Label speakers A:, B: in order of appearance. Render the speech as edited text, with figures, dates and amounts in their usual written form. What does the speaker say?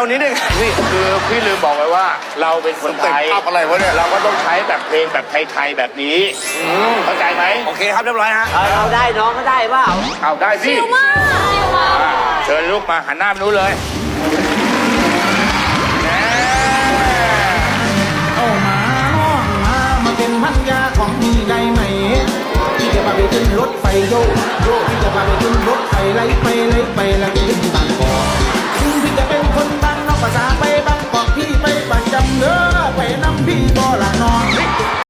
A: นี้ได้ไงนี่คือพี่ลืมบอกไว้ว่าเราเป็นคนไทยอะไรวะเนี่ยเราก็ต้องใช้แบบเพลงแบบไทยๆแบบนี้เข้าใจไหมโอเคครับเรียบร้อยฮะ
B: เราได้น้องก็ได้เปล่า
A: เอาได้สิเชิญลูกมาหันหน้าไปนู้นเลย
C: เอามาน้องมาเป็นพันยาของพี่ได้ไหมพี่จะพาไปขึ้นรถไฟโยพี่จะพาไปขึ้นรถไฟไล่ไปแล้วขึ้นบางกอกถึงพี่จะเป็นคนบางนอกภาษาไปบางกอกพี่ไปประจำเด้อไปนำพี่บ่ละน้อง